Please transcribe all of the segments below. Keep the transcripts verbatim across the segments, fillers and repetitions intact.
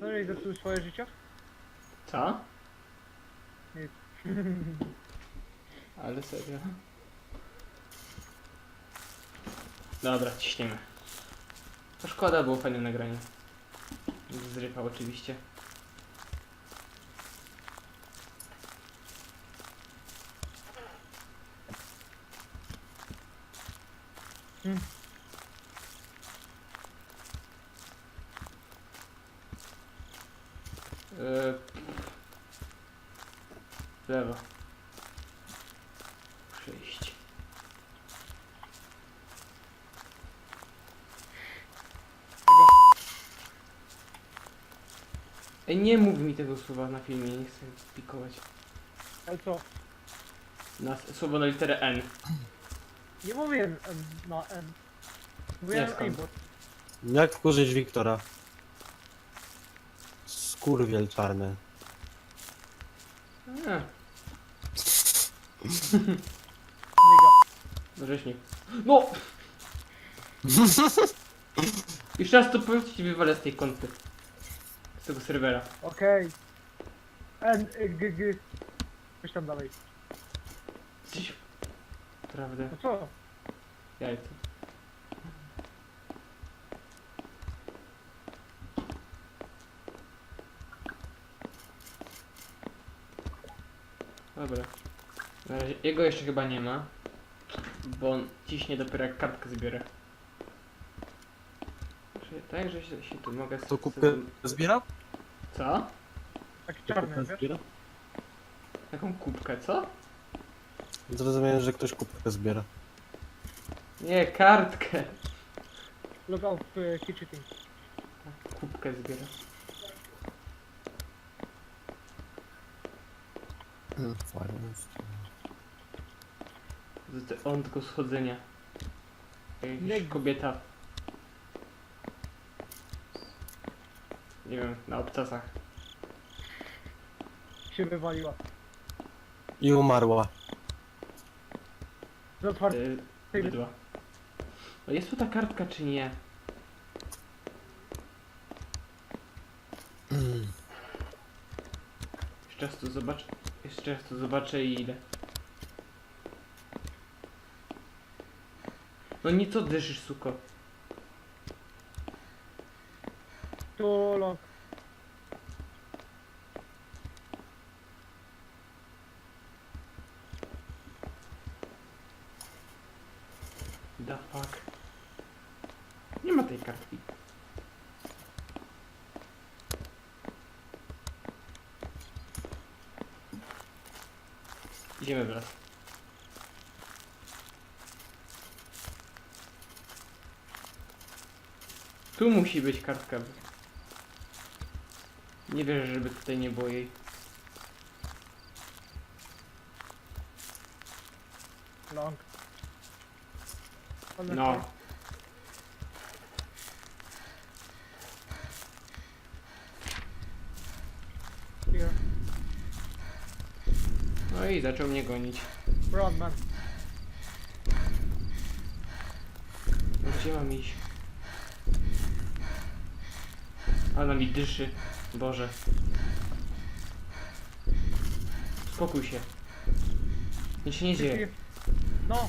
Co, i zepsuł swoje życie? Co? Nic. Ale serio. Dobra, ciśniemy. To szkoda, było fajne nagranie. Zrypał oczywiście. Hmm. Yy... W lewo. Przejść. Ej, nie mów mi tego słowa na filmie, nie chcę pikować. Ale co? Na słowo na literę N. Nie mówiłem N na N. Mówiłem skąd? aimbot. Jak wkurzyć Wiktora? Skurwiel czarny. A, Niga. no rzeźnik. No! Jeszcze raz to powiedz, ci wywalę z tej kąty. Z tego serwera. Okej. N, y, g, g. Coś tam dalej. Coś... Prawda. No co? Jajce. Dobra. Na razie jego jeszcze chyba nie ma. Bo on ciśnie dopiero jak kartkę zbiorę. Czyli tak, że się, się tu mogę... To kubkę zbiera? Co? Taki To czarny, kubkę wiesz? zbiera? Jaką kubkę, co? Zrozumiałem, że ktoś kubkę zbiera. Nie, kartkę. Logout w kitchen. Kubkę zbiera. Fajnie. Z te on tylko schodzenia. Jakaś Nie- kobieta. Nie wiem, na obcasach. Się wywaliła. I umarła. Z otwartej. Yy, bydła. No jest tu ta kartka czy nie? Jeszcze raz tu zobaczę. Jeszcze raz tu zobaczę i idę. No nie co dyszysz, suko. Tu log. The fuck. Nie ma tej kartki. Idziemy wraz. Tu musi być kartka. Nie wierzę, żeby tutaj nie było jej. Long. No. Here. No i zaczął mnie gonić. Run, man. No gdzie mam iść? Ona mi dyszy. Boże. Spokój się. Nic się nie dzieje. No.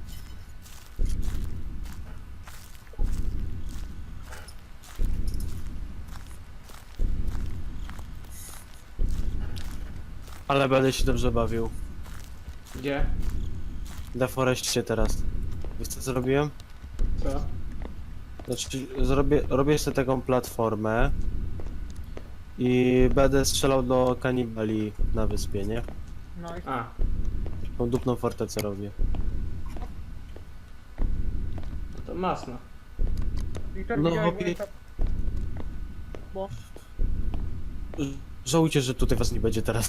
Ale będę się dobrze bawił. Gdzie? Deforestie teraz. Wiesz co zrobiłem? Co? Znaczy, zrobię, robię sobie taką platformę i będę strzelał do kanibali na wyspie, nie? Nice. A. Tą dupną fortecę robię. No to masno. Wiktor, No, widziałeś hobby- moje tap- Bo Żałujcie, że tutaj was nie będzie teraz.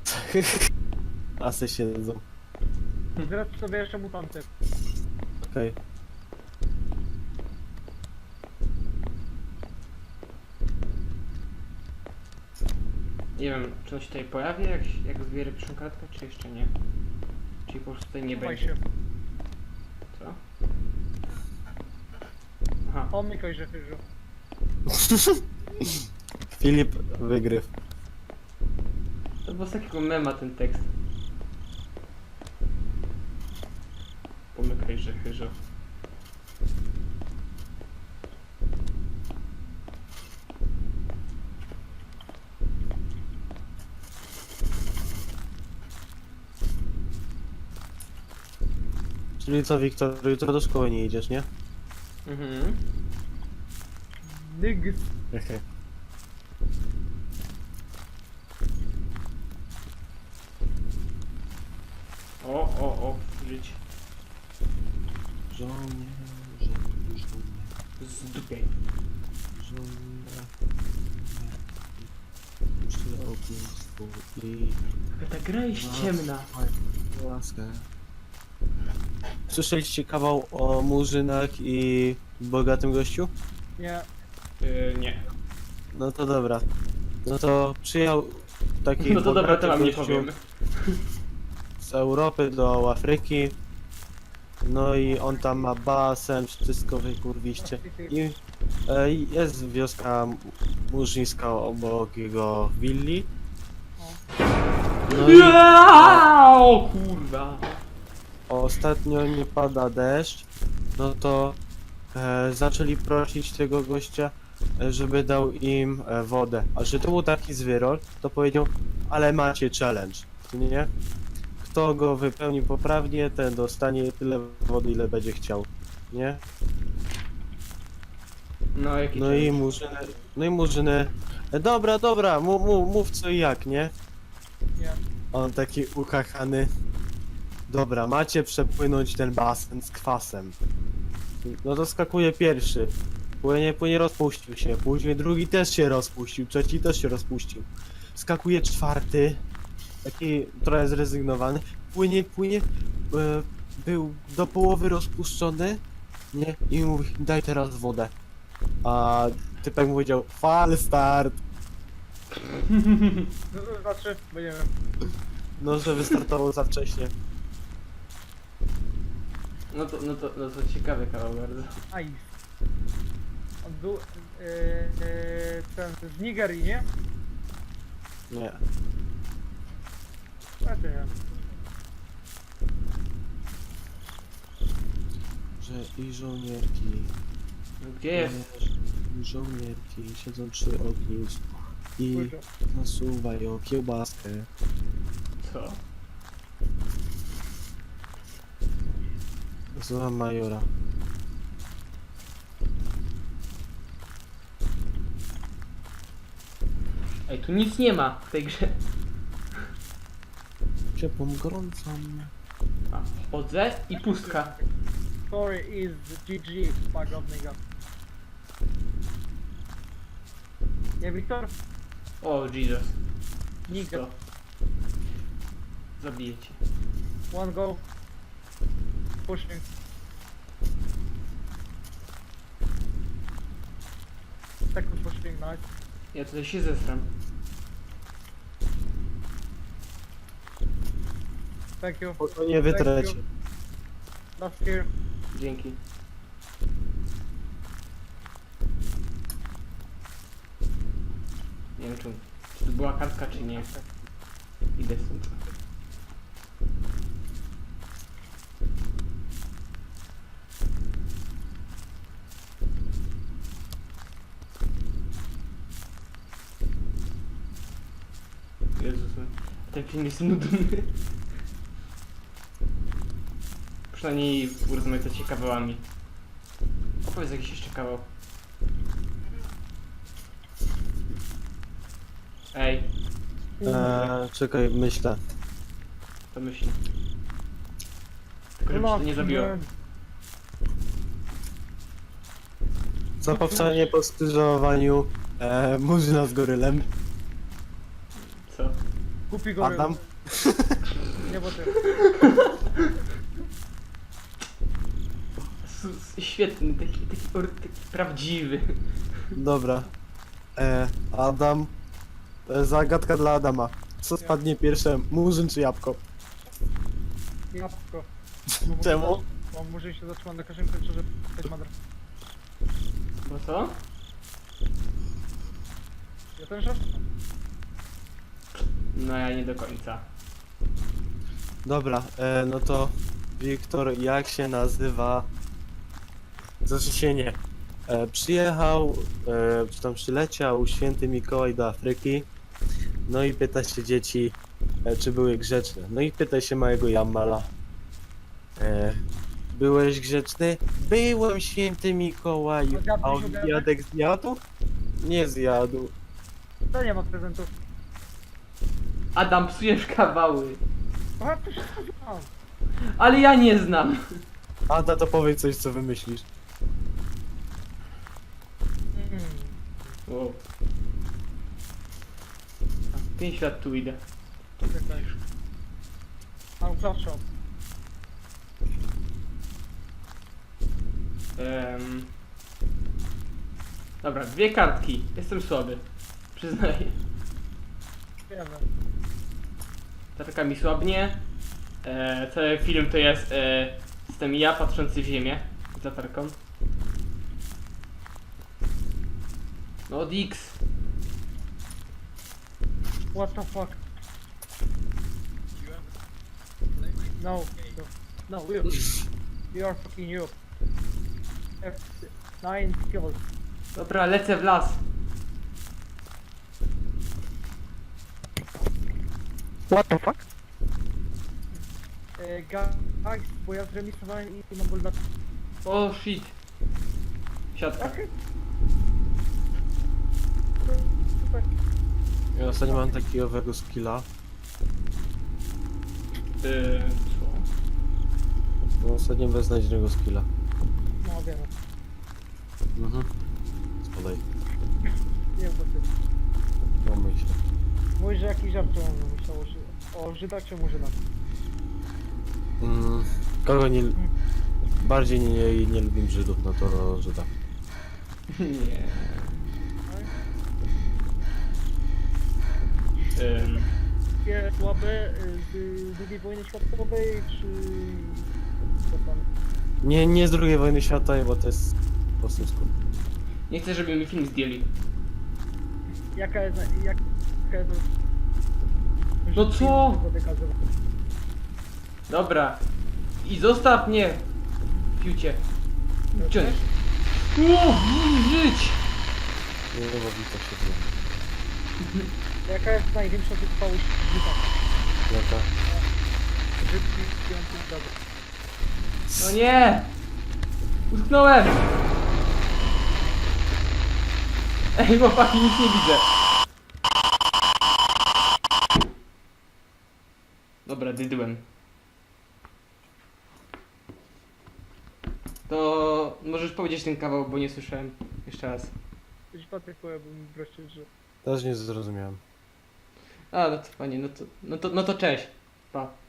Asy siedzą. zresztą sobie jeszcze mutanty. Okej. Nie wiem, czy on się tutaj pojawi, jak, jak zbierę pierwszą kartkę, czy jeszcze nie? Czyli po prostu tutaj nie Chowaj będzie. się. Co? Aha. Omykaj, że chyżu. Filip wygryw. To było z takiego mema ten tekst. Pomykaj, że chyżo. Czyli co, Wiktor, jutro do szkoły nie idziesz, nie? Mhm. Nigg. Hehe. O, o, o, żyć. Żołnierze, żołnierze, Zdupiaj. żołnierze. Przy ognisku i Ta gra jest ciemna. łaskę. Słyszeliście kawał o murzynach i bogatym gościu? Nie. Yy, nie. No to dobra. No to przyjechał taki No to dobra, bogaty to wam nie gościu powiem. z Europy do Afryki. No i on tam ma basen, wszystko wy kurwiście. I e, jest wioska murzyńska obok jego willi. No i O kurwa. ostatnio nie pada deszcz, no to e, zaczęli prosić tego gościa, e, żeby dał im e, wodę. A że to był taki zwyrol, to powiedział, ale macie challenge, nie? Kto go wypełni poprawnie, ten dostanie tyle wody, ile będzie chciał, nie? No jaki No i murzyny, no i murzyny, e, dobra, dobra, mów, mów, mów co i jak, nie? Nie. On taki ukachany. Dobra, macie przepłynąć ten basen z kwasem. No to skakuje pierwszy. Płynie, płynie, rozpuścił się. Później drugi też się rozpuścił. Trzeci też się rozpuścił. Skakuje czwarty. Taki trochę zrezygnowany. Płynie, płynie. E, był do połowy rozpuszczony. Nie? I mówi, daj teraz wodę. A typek mu powiedział, fal start. No to znaczy, bo nie wiem. No, że wystartował za wcześnie. No to, no to, no to ciekawy kawał bardzo. Ice. On był yy, yy, ten z Nigerii, nie? Nie. Znaczy nie. Że i żołnierki. No gdzie jest? I żołnierki siedzą przy ognisku i Kurczę. nasuwają kiełbaskę. Co? Słucham majora. Ej, tu nic nie ma w tej grze. Ciepłą, gorącą. A, chodzę i pustka. Story is G G, fuck off nigga. Nie, Wiktor? O, Jesus. Nigga. Co? Zabiję cię. One go. Pushing. Second pushing, nice. Ja tutaj się zesram. Thank you. Spokojnie wytrecie. Last here. Dzięki. Nie wiem czy, czy to była kartka czy nie. Idę stąd. Jezus, ten film jest nudny. Przynajmniej urozmaicacie kawałami. Opowiedz jakiś jeszcze kawał. Ej, Eee, czekaj, myślę. to myśli. Tylko żeby się to nie zabiło. Za powstanie po skrzyżowaniu eee, murzyna z gorylem. Co? Kupi go. Adam. Nie, bo ty. S- s- Świetny, taki, taki, or- taki prawdziwy. Dobra. Eee, Adam. E, zagadka dla Adama. Co spadnie pierwsze, murzyn czy jabłko? Jabłko. Czemu? Bo może się zatrzymać na każdym końcu, że ktoś ma dra- Bo co? Ja ten żart. No ja nie do końca. Dobra, e, no to Wiktor, jak się nazywa? Znaczy się nie. E, przyjechał, e, czy tam przyleciał święty Mikołaj do Afryki. No i pyta się dzieci, e, czy były grzeczne. No i pyta się małego Jamala. E, byłeś grzeczny? Byłem, święty Mikołaju. Ogarnij, A ogarnij. obiadek zjadł? Nie zjadł. To nie ma prezentów. Adam, psujesz kawały. A, to wszystko znam. Ale ja nie znam. Ada, to powiedz coś, co wymyślisz. Mm. Wow. pięć lat tu idę. Czekaj. Mam proszę. Em, Dobra, dwie kartki. Jestem słaby. Przyznaję. Wiemy. Tarka mi słabnie. E, cały film to jest e, jestem ja patrzący w ziemię z latarką. No od X. What the fuck? No, no, no, you. You are fucking you. F nine kills. Dobra, lecę w las. What the fuck? E, Guys, bo ja zremisowałem i mam ból na... O shit. Siatka. Okej. Super. Ja ostatnio mam takiego owego skilla. Yy, co? No, ostatnio beznadziejnego skilla. No, wiemy. Mhm. Spadaj. Nie, bo ty. No myślę. Mówisz, że jakiś żart mam myślał o, Ży o Żydach czy Murzynach? Mm, kogo nie... Bardziej nie, nie, nie lubię Żydów, no to Żyda. Nie. Ym, Takie słabe y, z drugiej wojny światowej, czy... co tam? Nie, nie z drugiej wojny światowej, bo to jest po prostu skrót. nie chcę, żeby mi film zdjęli. Jaka jest... Jak, jaka jest... No co? Żydowska wykazywa? Dobra. I zostaw mnie. Fiucie. Gdzie on jest? O, żyć! Nie, no bo Wiktor się dzieje. Jaka jest największa wytrwałość Żyda? Jaka? Żydki piątych dobry. No nie! Utknąłem! Ej, chłopaki, nic nie widzę. Dobra, dydłem. To możesz powiedzieć ten kawał, bo nie słyszałem. Jeszcze raz. Coś patykuje, bo mi wreszcie, że... Też nie zrozumiałem. A, no to fajnie, no to, no to, no to cześć. Pa.